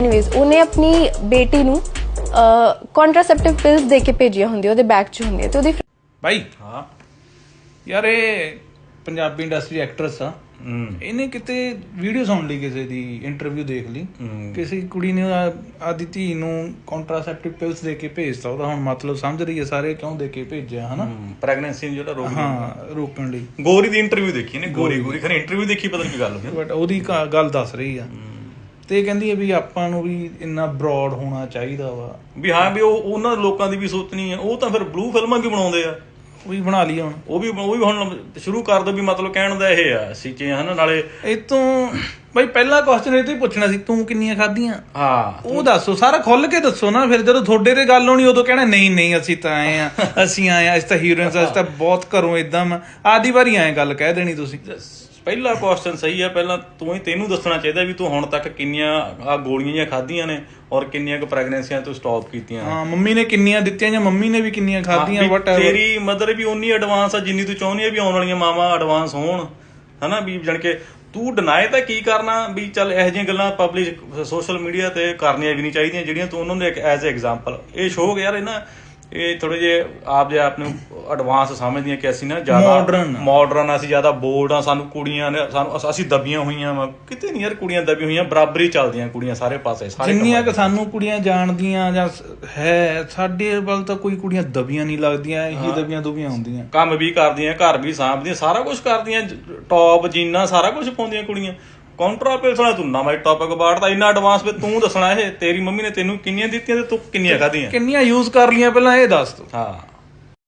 Anyways ਉਹਨੇ ਆਪਣੀ ਬੇਟੀ ਨੂੰ ਕੰਟਰਾਸੈਪਟਿਵ ਪਿਲਸ ਦੇ ਕੇ ਭੇਜੀਆਂ ਹੁੰਦੀਆਂ, ਉਹਦੇ ਬੈਗ 'ਚ ਹੁੰਦੀਆਂ, ਤੇ ਉਹਦੀ ਭਾਈ ਹਾਂ ਯਾਰ ਇਹ ਪੰਜਾਬੀ ਇੰਡਸਟਰੀ ਐਕਟਰਸ ਆ, ਇਹਨੇ ਕਿਤੇ ਵੀਡੀਓ ਸੁਣ ਲਈ, ਕਿਸੇ ਦੀ ਇੰਟਰਵਿਊ ਦੇਖ ਲਈ, ਕਿਸੇ ਕੁੜੀ ਨੇ ਆਦੀ ਧੀ ਨੂੰ ਕੰਟਰਾਸੈਪਟਿਵ ਪਿਲਸ ਦੇ ਕੇ ਭੇਜਤਾ। ਉਹਦਾ ਹੁਣ ਮਤਲਬ ਸਮਝ ਰਹੀ ਹੈ ਸਾਰੇ ਕਿਉਂ ਦੇ ਕੇ ਭੇਜਿਆ, ਹਨਾ ਪ੍ਰੈਗਨੈਂਸੀ ਨੂੰ ਜਿਹੜਾ ਰੋਕਣ ਲਈ। ਗੋਰੀ ਦੀ ਇੰਟਰਵਿਊ ਦੇਖੀ ਨੇ, ਗੋਰੀ ਖਰੇ ਇੰਟਰਵਿਊ ਦੇਖੀ, ਪਤਾ ਨਹੀਂ ਕੀ ਗੱਲ ਹੋਈ, ਬਟ ਉਹਦੀ ਗੱਲ ਦੱਸ ਰਹੀ ਆ ਤੇ ਕਹਿੰਦੀ ਹੈ ਵੀ ਆਪਾਂ ਨੂੰ ਵੀ ਇੰਨਾ ਬਰੋਡ ਹੋਣਾ ਚਾਹੀਦਾ ਵਾ ਵੀ ਹਾਂ ਵੀ ਉਹ ਉਹਨਾਂ ਲੋਕਾਂ ਦੀ ਵੀ ਸੋਚਣੀ ਹੈ। ਉਹ ਤਾਂ ਫਿਰ ਬਲੂ ਫਿਲਮਾਂ ਕਿਉਂ ਬਣਾਉਂਦੇ ਆ, ਉਹ ਵੀ ਬਣਾ ਲਈ ਹੁਣ, ਉਹ ਵੀ ਹੁਣ ਸ਼ੁਰੂ ਕਰ ਦੋ ਵੀ ਮਤਲਬ ਕਹਿਣ ਦਾ ਇਹ ਆ ਸੀਚੇ ਹਨਾ। ਨਾਲੇ ਇਹ ਤੋਂ ਬਈ ਪਹਿਲਾ ਕੁਐਸਚਨ ਇਹ ਤੋਂ ਹੀ ਪੁੱਛਣਾ ਸੀ, ਤੂੰ ਕਿੰਨੀਆਂ ਖਾਧੀਆਂ? ਹਾਂ ਉਹ ਦੱਸੋ, ਸਾਰਾ ਖੁੱਲ ਕੇ ਦੱਸੋ ਨਾ। ਫਿਰ ਜਦੋਂ ਤੁਹਾਡੇ ਤੇ ਗੱਲ ਹੋਣੀ ਉਦੋਂ ਕਹਿਣਾ ਨਹੀਂ ਅਸੀਂ ਤਾਂ ਆਏ ਆ, ਅਸੀਂ ਆਏ ਆ, ਅਸੀਂ ਤਾਂ ਹੀਰੋਇਨਸ, ਅਸੀਂ ਤਾਂ ਬਹੁਤ ਘਰੋਂ ਏਦਾਂ ਆਦੀ ਵਾਰੀ ਐਂ ਗੱਲ ਕਹਿ ਦੇਣੀ ਤੁਸੀਂ। ਪਹਿਲਾ ਕੁਐਸਚਨ ਸਹੀ ਆ, ਪਹਿਲਾਂ ਤੈਨੂੰ ਦੱਸਣਾ ਚਾਹੀਦਾ ਵੀ ਤੂੰ ਹੁਣ ਤੱਕ ਕਿੰਨੀਆਂ ਆ ਗੋਲੀਆਂ ਜਾਂ ਖਾਧੀਆਂ ਨੇ ਔਰ ਕਿੰਨੀਆਂ ਕੁ ਪ੍ਰੈਗਨੈਂਸੀਆਂ ਤੂੰ ਸਟਾਪ ਕੀਤੀਆਂ। ਹਾਂ, ਮੰਮੀ ਨੇ ਕਿੰਨੀਆਂ ਦਿੱਤੀਆਂ ਜਾਂ ਮੰਮੀ ਨੇ ਵੀ ਕਿੰਨੀਆਂ ਖਾਧੀਆਂ। ਤੇਰੀ ਮਦਰ ਵੀ ਉਨੀ ਐਡਵਾਂਸ ਆ ਜਿੰਨੀ ਤੂੰ ਚਾਹੁੰਦੀ ਆ ਵੀ ਆਉਣ ਵਾਲੀਆਂ ਮਾਵਾਂ ਐਡਵਾਂਸ ਹੋਣ, ਹਨਾ। ਵੀ ਜਾਣ ਕੇ ਤੂੰ ਡਿਨਾਈ ਤਾਂ ਕੀ ਕਰਨਾ ਵੀ ਚੱਲ ਇਹੋ ਜਿਹੀਆਂ ਗੱਲਾਂ ਪਬਲਿਕ ਸੋਸ਼ਲ ਮੀਡੀਆ ਤੇ ਕਰਨੀਆਂ ਵੀ ਨਹੀਂ ਚਾਹੀਦੀਆਂ ਜਿਹੜੀਆਂ ਤੂੰ ਉਹਨਾਂ ਦੇ ਐਜ਼ ਐਗਜ਼ਾਮਪਲ। ਇਹ ਸ਼ੋਅ ਯਾਰ ਇਹ ਥੋੜੇ ਜਿਹੇ ਆਪ ਨੂੰ ਐਡਵਾਂਸ ਸਮਝਦੀਆਂ ਕਿ ਅਸੀਂ ਨਾ ਜ਼ਿਆਦਾ ਮਾਡਰਨ, ਅਸੀਂ ਜ਼ਿਆਦਾ ਬੋਲਡ ਆ, ਸਾਨੂੰ ਕੁੜੀਆਂ ਨੇ ਅਸੀਂ ਦਬੀਆਂ ਹੋਈਆਂ ਵਾ। ਕਿਤੇ ਨਹੀਂ ਯਾਰ, ਕੁੜੀਆਂ ਦਬੀਆਂ ਹੋਈਆਂ, ਬਰਾਬਰੀ ਚੱਲਦੀਆਂ ਕੁੜੀਆਂ ਸਾਰੇ ਪਾਸੇ। ਜਿੰਨੀਆਂ ਕਿ ਸਾਨੂੰ ਕੁੜੀਆਂ ਜਾਣਦੀਆਂ ਜਾਂ ਹੈ, ਸਾਡੇ ਵੱਲ ਤਾਂ ਕੋਈ ਕੁੜੀਆਂ ਦਬੀਆਂ ਨਹੀਂ ਲੱਗਦੀਆਂ, ਇਹੀ ਦਬੀਆਂ ਦੁਬੀਆਂ ਹੁੰਦੀਆਂ। ਕੰਮ ਵੀ ਕਰਦੀਆਂ, ਘਰ ਵੀ ਸਾਂਭਦੀਆਂ, ਸਾਰਾ ਕੁਛ ਕਰਦੀਆਂ, ਟੌਪ ਜੀਨਾਂ ਸਾਰਾ ਕੁਛ ਪਾਉਂਦੀਆਂ ਕੁੜੀਆਂ। ਕਾਉਂਟਰਾ ਪਿਲਸ ਵਾਲਾ ਤੂੰ ਨਵਾਂ ਟੌਪਿਕ ਬਾੜਦਾ ਇੰਨਾ ਐਡਵਾਂਸ ਵੀ ਤੂੰ ਦੱਸਣਾ ਇਹ ਤੇਰੀ ਮੰਮੀ ਨੇ ਤੈਨੂੰ ਕਿੰਨੀਆਂ ਦਿੱਤੀਆਂ ਤੇ ਤੂੰ ਕਿੰਨੀਆਂ ਖਾਧੀਆਂ, ਕਿੰਨੀਆਂ ਯੂਜ਼ ਕਰ ਲਈਆਂ ਪਹਿਲਾਂ ਇਹ ਦੱਸ ਤੂੰ। ਹਾਂ